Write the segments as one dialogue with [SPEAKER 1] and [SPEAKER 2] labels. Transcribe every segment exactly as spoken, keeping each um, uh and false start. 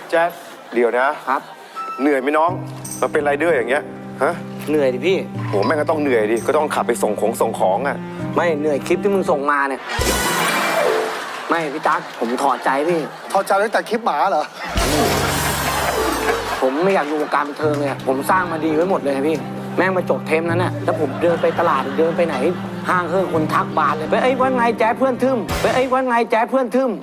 [SPEAKER 1] แจ๊ดเดี๋ยวนะครับเหนื่อยไหมน้องมาเป็นไรเดอร์อย่างเงี้ยฮะ
[SPEAKER 2] เหนื่อยดิพี่
[SPEAKER 1] โหแม่งก็ต้องเหนื่อยดิก็ต้องขับไปส่งของส่งของอ่ะ
[SPEAKER 2] ไม่เหนื่อยคลิปที่มึงส่งมาเนี่ยไม่พี่ตั๊กผมถอดใจพี่
[SPEAKER 3] ถอดใจตั้งแต่คลิปหมาเหรอ
[SPEAKER 2] ผมไม่อยากอยู่วงการบันเทิงเลยผมสร้างมาดีไว้หมดเลยพี่แม่งมาจบเทมนั้นน่ะแล้วผมเดินไปตลาดเดินไปไหนห้างเครื่องคนทักบานเลยไปไอ้วันไงแจ๊ดเพื่อนทึมไปไอ้วันไงแจ๊ดเพื่อนทึม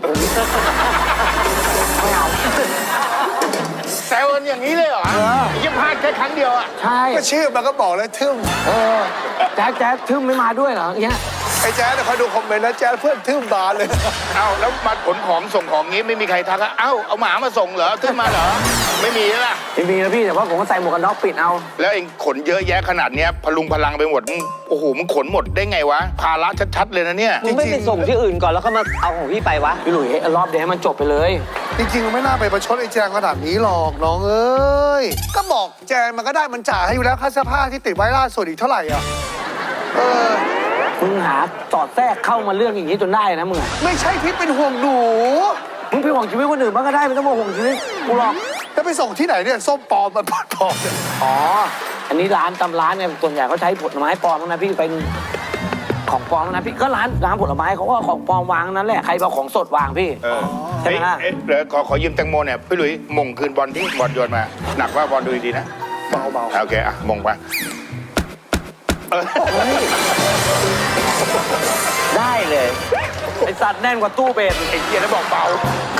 [SPEAKER 2] ไม่เอา
[SPEAKER 4] แซวกันอย่างนี้เลยเหรอยิ่งพลาดแค่ครั้งเดียวอ่ะ
[SPEAKER 2] ใช่
[SPEAKER 3] ก็ชื่อมันก็บอกเลยทึม
[SPEAKER 2] เออแจ๊ดแจ๊ดทึมไม่มาด้วยเหรอเงี้ย
[SPEAKER 3] ไอ้แจ๊ดเขาดูคอมเมนต์นะแจ๊ดเพื่อนทึมบานเลย
[SPEAKER 4] เอ้าแล้วมาขนของส่งของงี้ไม่มีใครทักอ่ะเอ้าเอาหมามาส่งเหรอทึมมาเหรอไม่มีแล้วล่ะ
[SPEAKER 2] ไม่มีนะพี่แต่ว่าผมก็ใส่หมวกกันน็อกปิดเอา
[SPEAKER 4] แล้วเองขนเยอะแยะขนาดเนี้ยพลุงพลังไปหมดโอ้โหมึงขนหมดได้ไงวะภาระชัดๆเลยนะเนี่ย
[SPEAKER 5] มึงไม่ไปส่งที่อื่นก่อนแล้วก็มาเอาของพี่ไปวะ
[SPEAKER 2] พี่หลุยรอบเดียวให้มันจบไปเลย
[SPEAKER 3] จริงๆไม่น่าไปประชดไอ้แจงขนาดนี้หรอกน้องเอ้ยก็บอกแจงมันก็ได้มันจ่ายให้อยู่แล้วค่าเสื้อผ้าที่ติดไว้ล่าสุดอีกเท่าไหร่อ่ะเออ
[SPEAKER 2] มึงหาสอดแทรกเข้ามาเรื่องอย่างนี้จนได้นะมึง
[SPEAKER 3] ไม่ใช่พิษเป็นห่วงหนู
[SPEAKER 2] มึงไปห่วงชีวิตคนอื่นบ้างก็ได้ไม่ต้องมาห่วงชีวิตกูหรอก
[SPEAKER 3] แล้วไปส่งที่ไหนเนี่ยส้มปลอมมันปลอมเนี่ย
[SPEAKER 2] อ๋ออันนี้ร้านตำร้านเนี่ยส่วนใหญ่เขาใช้ผลไม้ปลอมนะพี่เป็นของปลอมนะพี่ก็ร้านร้านผลไม้เขาก็ของปลอมวางนั้นแหละใครเอาของสดวางพี่ใช่ไหมล่ะ
[SPEAKER 4] เดี๋ยวขอขอยืมแตงโมเนี่ยพี่หลุยมงคืนบอลที่บอลโยนมาหนักว่าบอลดูดีๆนะ
[SPEAKER 3] เบาเบา
[SPEAKER 4] โอเคอ่ะมงไป
[SPEAKER 2] ได้เลยไอสัตว์แน่นกว่าตู้เบส
[SPEAKER 4] ไอ้เกียร์แล้วบอกเบา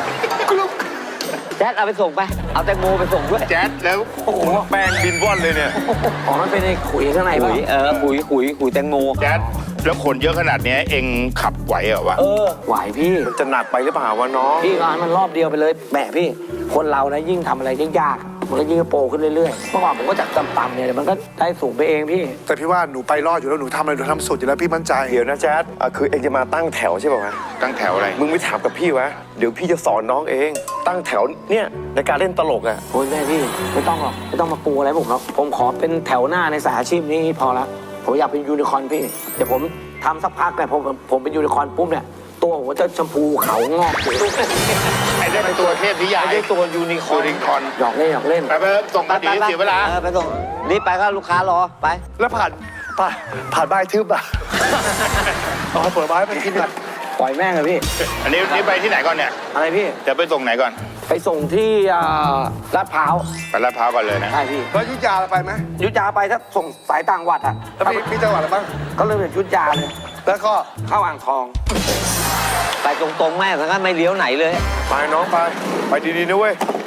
[SPEAKER 5] แจ๊ดเอาไปส่งไปเอาแตงโมไปส่งด้วย
[SPEAKER 4] แจ๊ดแล้ว
[SPEAKER 1] โอ้โหแป้งบินว่อนเลยเนี่ย
[SPEAKER 2] อ๋อมันเป็นไอ้ขุยข้างในป่ะ
[SPEAKER 5] เออขุยขุยขุยแตงโม
[SPEAKER 4] แจ๊ดแล้วขนเยอะขนาดนี้เองขับไหวเหรอวะ
[SPEAKER 2] เออไหวพี่
[SPEAKER 1] มันจะหนักไปหรือเปล่าวะน้อง
[SPEAKER 2] พี่ก็ให้มันรอบเดียวไปเลยแหมพี่คนเรานะยิ่งทำอะไรยิ่งยากมันก็ยิ่งโปรขึ้นเรื่อยๆเมื่อก่อนผมก็จากต่ำๆเนี่ยมันก็ได้สูงไปเองพี่
[SPEAKER 3] แต่พี่ว่าหนูไปรอดอยู่แล้วหนูทำอะไรหนูทำสุดอยู่แล้วพี่มั่นใจ
[SPEAKER 1] เดี๋ยวนะแจ๊ดคือเองจะมาตั้งแถวใช่ป่ะวะ
[SPEAKER 4] ตั้งแถวอะไร
[SPEAKER 1] มึงไม่ถามกับพี่วะเดี๋ยวพี่จะสอนน้องเองตั้งแถวเนี่ยในการเล่นตลกอ่ะ
[SPEAKER 2] โอ้ยแม่พี่ไม่ต้องหรอกไม่ต้องมาปูอะไรผมหรอกผมขอเป็นแถวหน้าในสายอาชีพนี้พอละผมอยากเป็นยูนิคอร์นพี่เดี๋ยวผมทำสักพักเนี่ยผมผมเป็นยูนิคอร์นปุ๊บเนี่ยตัวผมจะชมพูเขางอก
[SPEAKER 4] ไอ้ได้เป็นตัวเทพนิยาย
[SPEAKER 2] ไอ้ได้ตัวยูนิคอร์นหยอกเล่นหยอกเล่น
[SPEAKER 4] ไปไปส่งกันดีเสียเวลา
[SPEAKER 5] ไปส่งรีบไปก็ลูกค้ารอไป
[SPEAKER 3] แล้วผ่านผ่านผ่านใบทึบอ่ะเอาผลไม้ไปกินกัน
[SPEAKER 2] ปล่อยแม่งเลยพี่
[SPEAKER 4] อันนี้นี่ไปที่ไหนก่อนเนี่ย
[SPEAKER 2] อะไรพี่
[SPEAKER 4] จะไปส่งไหนก่อน
[SPEAKER 2] ไปส่งที่ลาดพร้าว
[SPEAKER 4] ไปลาดพร้าวก่อนเลยนะ
[SPEAKER 2] ใช่พี่
[SPEAKER 3] แล้วยุทธยาไปไหม
[SPEAKER 2] ยุทธยาไปถ้าส่งสายต่างจังหวัดอ่ะ
[SPEAKER 3] แล้วมีมีจังหวัดอะไรบ้าง
[SPEAKER 2] ก็เริ่มจากยุทธยาเลย
[SPEAKER 3] แล้วก็
[SPEAKER 2] เข้าอ่างทอง
[SPEAKER 5] ไปตรงๆแม่ทั้งนั้นไม่เลี้ยวไหนเลย
[SPEAKER 1] ไปน้องไปไปดีๆนะเว้ย